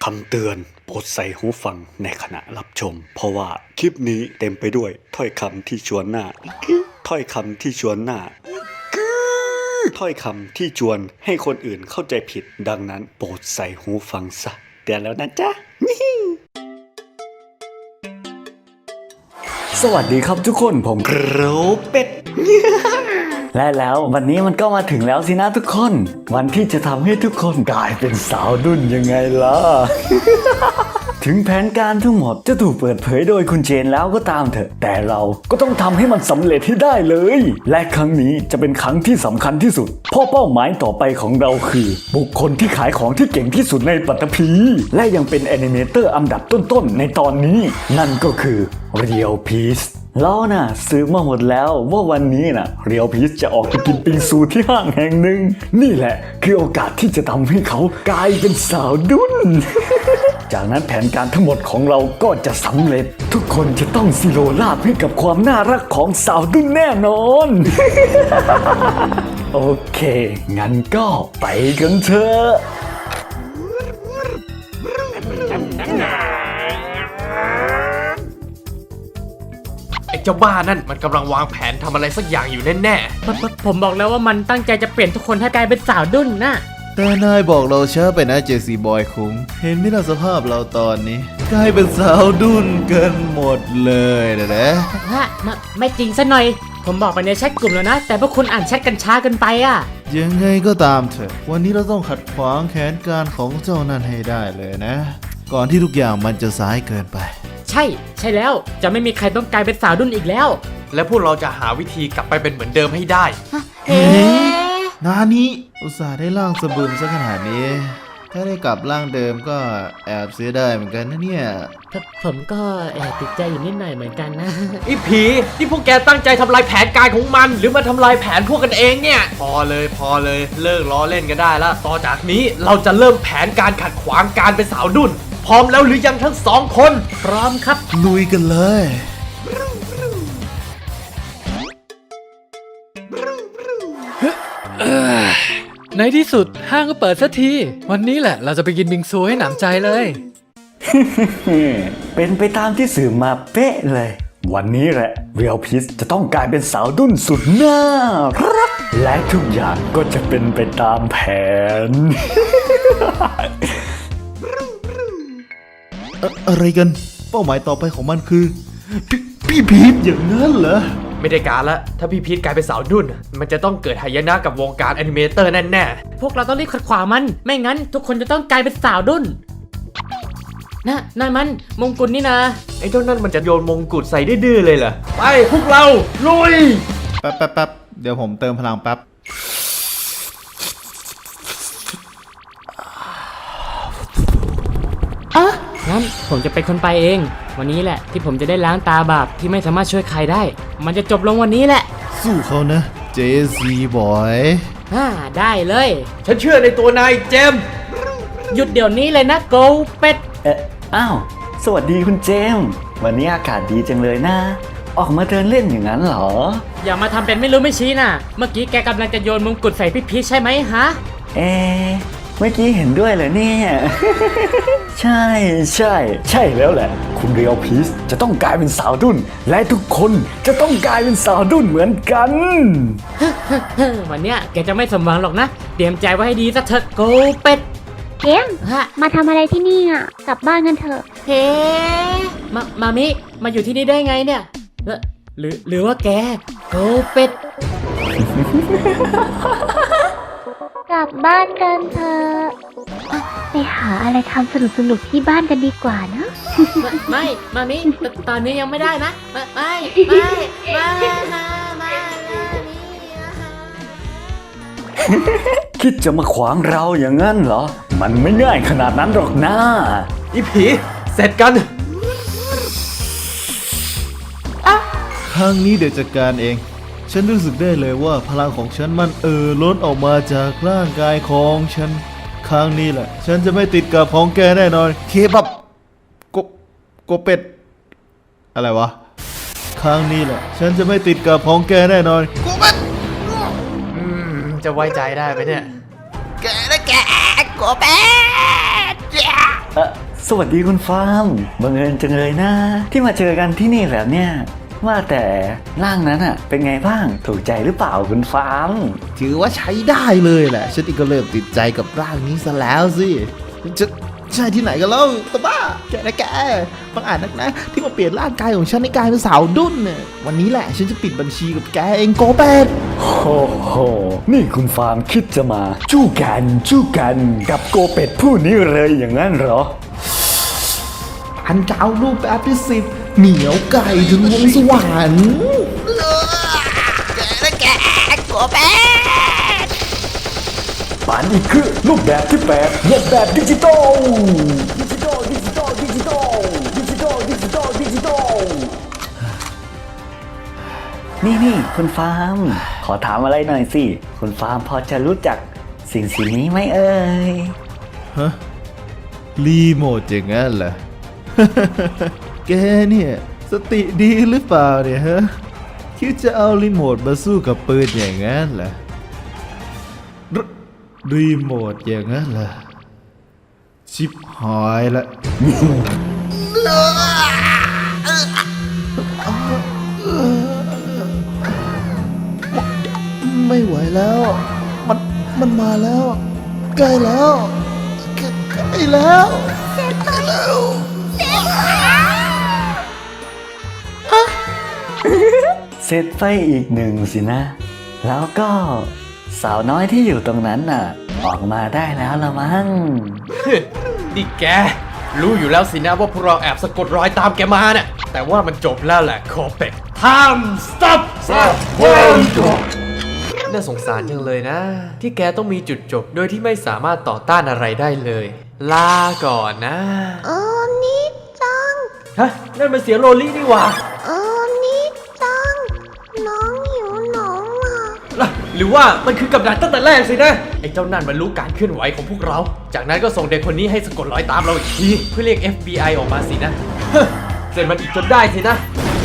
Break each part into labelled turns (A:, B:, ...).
A: คำเตือนโปรดใส่หูฟังในขณะรับชมเพราะว่าคลิปนี้เต็มไปด้วยถ้อยคำที่ชวนหน้าถ้อยคำที่ชวนหน้าถ้อยคำที่ชวนให้คนอื่นเข้าใจผิดดังนั้นโปรดใส่หูฟังซะเตือนแล้วนะจ๊ะสวัสดีครับทุกคนผมโรเป็ดและแล้ววันนี้มันก็มาถึงแล้วสินะทุกคนวันที่จะทำให้ทุกคนกลายเป็นสาวดุ้นยังไงล่ะ ถึงแผนการทั้งหมดจะถูกเปิดเผยโดยคุณเจนแล้วก็ตามเถอะแต่เราก็ต้องทำให้มันสำเร็จให้ได้เลยและครั้งนี้จะเป็นครั้งที่สำคัญที่สุดเพราะเป้าหมายต่อไปของเราคือบุคคลที่ขายของที่เก่งที่สุดในปัตตภีและยังเป็นแอนิเมเตอร์อันดับต้นๆในตอนนี้นั่นก็คือเรียวพีซเราน่ะซื้อมาหมดแล้วว่าวันนี้น่ะเรียวพีชจะออกไปกินปิงซูที่ห้างแห่งหนึ่งนี่แหละคือโอกาสที่จะทำให้เขากลายเป็นสาวดุ้น จากนั้นแผนการทั้งหมดของเราก็จะสำเร็จทุกคนจะต้องซิโรราบให้กับความน่ารักของสาวดุ้นแน่นอน โอเคงั้นก็ไปกันเถอะ
B: ไอ้เจ้าบ้านั่นมันกำลังวางแผนทำอะไรสักอย่างอยู่แน่
C: ผมบอกแล้วว่ามันตั้งใจจะเปลี่ยนทุกคนให้กลายเป็นสาวดุ้นนะ
D: แต่นายบอกเราช้าไปนะเจซีบอยคุ้งเห็นไหมล่ะสภาพเราตอนนี้กลายเป็นสาวดุ้นกันหมดเลยนะ
C: ฮะไม่จริงซะหน่อยผมบอกไปในแชทกลุ่มแล้วนะแต่พวกคุณอ่านแชทกันช้าเกินไปอ่ะ
D: ยังไงก็ตามเถอะวันนี้เราต้องขัดขวางแผนการของเจ้านั่นให้ได้เลยนะ ก่อนที่ทุกอย่างมันจะสายเกินไป
C: ใช่แล้วจะไม่มีใครต้องกลายเป็นสาวดุ้นอีกแล้ว
B: ๆ และพวกเราจะหาวิธีกลับไปเป็นเหมือนเดิมให้ได้
D: นานี้อุตส่าห์ได้ร่างสะบึมซะขนาดนี้ ถ้าได้กลับร่างเดิมก็แอบเสียดายเหมือนกันนะเนี่ย
C: ผมก็แอบติดใจอยู่นิดหน่อยเหมือนกันนะ
B: ไอ้ผีที่พวกแกตั้งใจทำลายแผนการของมัน หรือมาทำลายแผนพวกกันเองเนี่ยพอเลยเลิกล้อเล่นกันได้แล้วต่อจากนี้เราจะเริ่มแผนการขัดขวางการเป็นสาวดุ้นพร้อมแล้วหรือยังทั้งสองคน
C: พร้อมครับ
D: ลุยกันเลย
E: ในที่สุดห้างก็เปิดสักทีวันนี้แหละเราจะไปกินบิงซูให้หนำใจเลย
A: เป็นไปตามที่สื่อมาเป๊ะเลยวันนี้แหละเรียวพีชจะต้องกลายเป็นสาวดุ้นสุดน่ารักและทุกอย่างก็จะเป็นไปตามแผน
D: อะไรกันเป้าหมายต่อไปของมันคือพี่พีทอย่างนั้นเหรอ
B: ไม่ได้การละถ้าพี่พีทกลายเป็นสาวดุ้นมันจะต้องเกิดหายนะกับวงการแอนิเมเตอร์แน่ๆ
C: พวกเราต้องรีบขัดขวางมันไม่งั้นทุกคนจะต้องกลายเป็นสาวดุ้นนั่นมันมงกุฎนี่นะ
B: ไอ้เจ้านั่นมันจะโยนมงกุฎใส่ดื้อๆเลยเหรอไปพวกเราลุย
D: แป๊บเดี๋ยวผมเติมพลังแป๊บ
C: งั้นผมจะเป็นคนไปเองวันนี้แหละที่ผมจะได้ล้างตาบาปที่ไม่สามารถช่วยใครได้มันจะจบลงวันนี้แหละ
D: สู้เขานะเจซีบอย
C: ได้เลย
B: ฉันเชื่อในตัวนายเจมส์
C: หยุดเดี๋ยวนี้เลยนะโกเป็ด
A: อ้าวสวัสดีคุณเจมส์วันนี้อากาศดีจังเลยนะออกมาเดินเล่นอย่างนั้นเหรอ
C: อย่ามาทำเป็นไม่รู้ไม่ชี้นะเมื่อกี้แกกำลังจะโยนมงกุฎใส่พี่พีชใช่ไหมฮะ
A: เมื่อกี้เห็นด้วยเหรอเนี่ย ใช่แล้วแหละคุณเรียวพีชจะต้องกลายเป็นสาวดุ้นและทุกคนจะต้องกลายเป็นสาวดุ้นเหมือนกัน
C: วันเนี้ยแกจะไม่สมหวังหรอกนะเตรียมใจไว้ให้ดีซะเถอะโกเป็ด
F: เกม
C: ฮะ
F: มาทำอะไรที่นี่อ่ะ กลับบ้านกันเถอะ
C: เฮ้มามิมาอยู่ที่นี่ได้ไงเนี่ยหรือว่าแกโกเป็ด
F: กลับบ้านกันเถอะไปหาอะไรทำสนุกๆที่บ้านกันดีกว่านะ
C: ไม่มามิตอนนี้ยังไม่ได้นะไม่
A: คิดจะมาขวางเราอย่างนั้นเหรอ มันไม่ง่ายขนาดนั้นหรอกนะ
B: อีผีเสร็จกัน
D: ครั้งนี้เดี๋ยวจัดการเอง ฉันรู้สึกได้เลยว่าพลังของฉันมันล้นออกมาจากร่างกายของฉัน ครั้งนี้แหละ ฉันจะไม่ติดกับของแกแน่นอนเคบับกบเป็ด อะไรวะ ครั้งนี้แหละ ฉันจะไม่ติดกับของแกแน่นอนกบเป็ด
B: จะไว้ใจได้ไหมเนี่ย
D: แกนะแกกบเป็ด
A: สวัสดีคุณฟาร์มบังเอิญจังเลยนะ ที่มาเจอกันที่นี่แบบเนี้ยว่าแต่ร่างนั้นอะเป็นไงบ้างถูกใจหรือเปล่าคุณฟาร์ม
D: ถือว่าใช้ได้เลยแหละ ฉันเองก็เริ่มติดใจกับร่างนี้ซะแล้วสิจะใช่ที่ไหนกันเล่าตะบ้าแกนะแกบางอาจนักนะ ที่มาเปลี่ยนร่างกายของฉันในกลายเป็นสาวดุ้นเนี่ยวันนี้แหละฉันจะปิดบัญชีกับแกเองโกเป็ด
A: โอ้โหนี่คุณฟาร์มคิดจะมาจู้กันกับโกเป็ดผู้นี้เลยอย่างนั้นเหรอ
D: อันจะเอารูปแบบที่10เหนียวไก่ถึงวงสวรรค์
A: ปานอีกคือรูปแบบที่8เรียนแบบดิจิตอลนี่คุณฟาร์มขอถามอะไรหน่อยสิคุณฟาร์มพอจะรู้จักสิ่งนี้ไหมเอ่ย
D: ฮะรีโมทอย่างนั้นเหรอ แกเนี่ยสติดีหรือเปล่าเนี่ยฮะคิดจะเอารีโมทมาสู้กับปืนอย่างนั้นเหรอรีโมทอย่างนั้นเหรอชิบหายละ ไม่ไหวแล้ว มันมาแล้ว ใกล้แล้วใกล้แล้ว
A: เสร็จไปอีกหนึ่งสินะ แล้วก็สาวน้อยที่อยู่ตรงนั้นน่ะ ออกมาได้แล้วละมั้ง
B: นี่แก รู้อยู่แล้วสินะว่าพวกเราแอบสะกดรอยตามแกมาเนี่ยแต่ว่ามันจบแล้วแหละโคเป็ก Time stop น่าสงสารจังเลยนะ ที่แกต้องมีจุดจบโดยที่ไม่สามารถต่อต้านอะไรได้เลย ลาก่อนนะ
F: นี่จัง
B: ฮะ นั่นมันเสียงโรลี่นี่หว่า
F: นี่จัง น้องหิวหนมอ่ะ
B: หรือว่ามันคือกับดักตั้งแต่แรกสินะ ไอ้เจ้านั่นมันรู้การเคลื่อนไหวของพวกเรา จากนั้นก็ส่งเด็กคนนี้ให้สะกดรอยตามเราอีกที เพื่อเรียก FBI ออกมาสินะ เสร็จมันอีกจนได้สินะ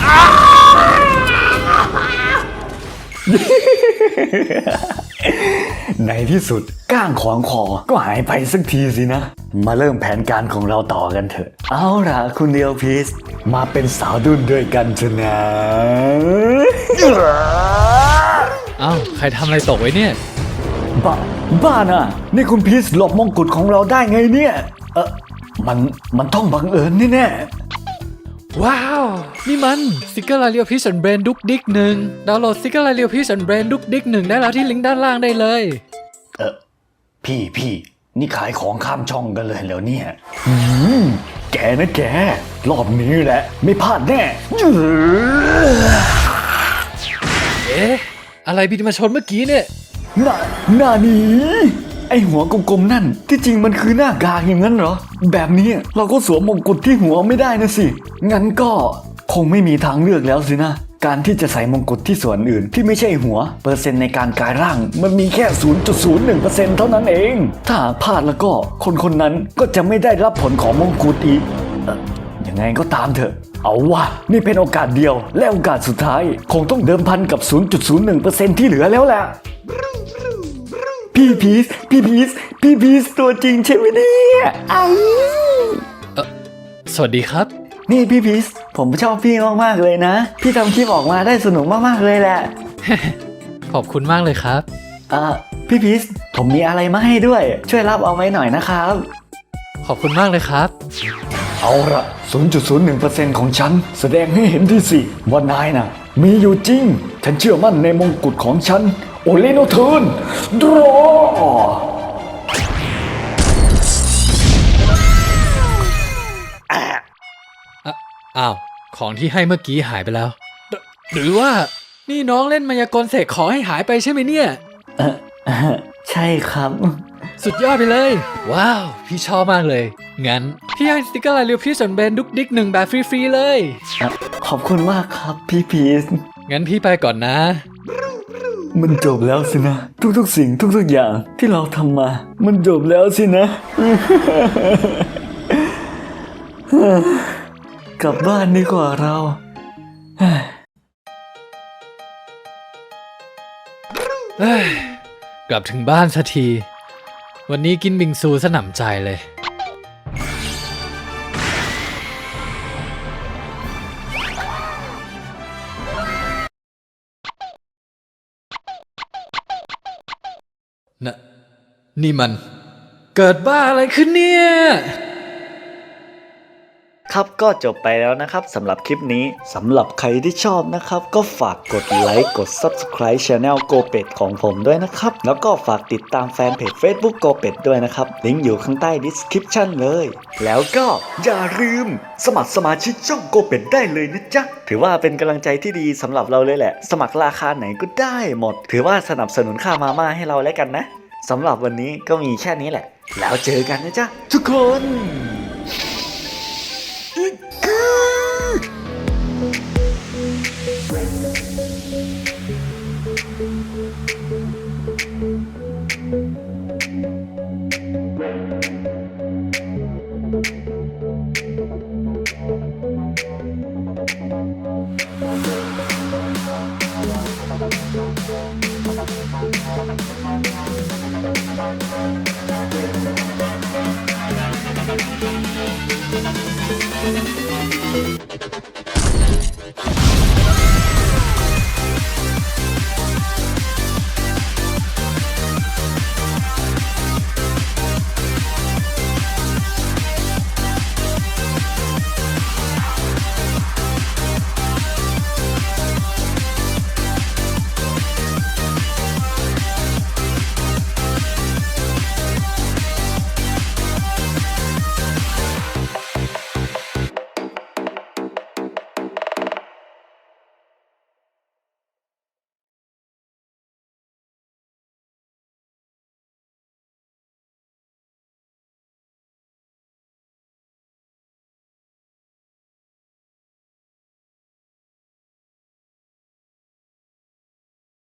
A: ในที่สุดก้างขวางคอก็หายไปสักทีสินะ มาเริ่มแผนการของเราต่อกันเถอะ เอาล่ะคุณเดียวพีสมาเป็นสาวดุ้นด้วยกันเถอะนะ
E: เอ้าใครทำอะไรตกไว้เนี่ย
A: บ้าน่ะ นี่คุณพีสหลบมงกุฎของเราได้ไงเนี่ย มันต้องบังเอิญแน่
E: ว้าว นี่มันสติกเกอร์ลาเรียวพิชแบรนด์ดุกดิกหนึ่งดาวน์โหลดสติกเกอร์ลาเรียวพิชแบรนด์ดุกดิกหนึ่งได้แล้วที่ลิงก์ด้านล่างได้เลย
A: พี่นี่ขายของข้ามช่องกันเลยแล้วเนี่ยแกนะแก รอบนี้แหละ ไม่พลาดแน่
E: เอ๊ะ อะไรบินมาชนเมื่อกี้เนี่ย
A: หน้านี้ไอหัวกลมๆนั่นที่จริงมันคือหน้ากากอย่างนั้นเหรอ แบบนี้เราก็สวมมงกุฎที่หัวไม่ได้นะสิ งั้นก็คงไม่มีทางเลือกแล้วสินะ การที่จะใส่มงกุฎที่ส่วนอื่นที่ไม่ใช่หัว เปอร์เซ็นต์ในการกลายร่างมันมีแค่ 0.01% เท่านั้นเอง ถ้าหากพลาดแล้วก็คนนั้นก็จะไม่ได้รับผลของมงกุฎอีกยังไงก็ตามเถอะ เอาวะนี่เป็นโอกาสเดียวและโอกาสสุดท้ายคงต้องเดิมพันกับ 0.01% ที่เหลือแล้วแหละ พี่พีซตัวจริงใช่ไหมเนี่ยไอ
E: สวัสดีครับ
A: นี่พี่พีซผมชอบพี่มากๆเลยนะ พี่ทำคลิปออกมาได้สนุกมากๆเลยแหละ
E: ขอบคุณมากเลยครับ
A: พี่พีซผมมีอะไรมาให้ด้วย ช่วยรับเอาไว้หน่อยนะครับ
E: ขอบคุณมากเลยครับ
A: เอาละ 0.01% ของฉันแสดงให้เห็นที่สิว่านายน่ะมีอยู่จริง ฉันเชื่อมั่นในมงกุฎของฉันโอเลโนเทิร์นดรอ
E: อ้าว ของที่ให้เมื่อกี้หายไปแล้ว หรือว่านี่น้องเล่นมายากลเสกของให้หายไปใช่ไหมเนี่ย
A: ใช่ครับ
E: สุดยอดไปเลย ว้าว พี่ชอบมากเลย งั้น พี่ให้สติกเกอร์ลายเรียวพี่ส่วนแบรนด์ดุกดิก1แบบฟรีๆเลย
A: ขอบคุณมากครับพี่พีซ
E: งั้นพี่ไปก่อนนะ
A: มันจบแล้วสินะ ทุกๆสิ่งทุกๆอย่างที่เราทำมา มันจบแล้วสินะ กลับบ้านดีกว่าเรา
E: เอ้ย กลับถึงบ้านสักที วันนี้กินบิงซูสนำใจเลยนี่มัน เกิดบ้าอะไรขึ้นเนี่ย
A: ครับก็จบไปแล้วนะครับสำหรับคลิปนี้สำหรับใครที่ชอบนะครับก็ฝากกดไลค์กด Subscribe Channel โกเป็ดของผมด้วยนะครับแล้วก็ฝากติดตามแฟนเพจ Facebook โกเป็ดด้วยนะครับลิงก์อยู่ข้างใต้ Description เลยแล้วก็อย่าลืมสมัครสมาชิกช่องโกเป็ดได้เลยนะจ๊ะถือว่าเป็นกำลังใจที่ดีสำหรับเราเลยแหละสมัครราคาไหนก็ได้หมดถือว่าสนับสนุนค่ามาม่าให้เราแล้วกันนะสำหรับวันนี้ก็มีแค่นี้แหละแล้วเจอกันนะจ๊ะทุกคน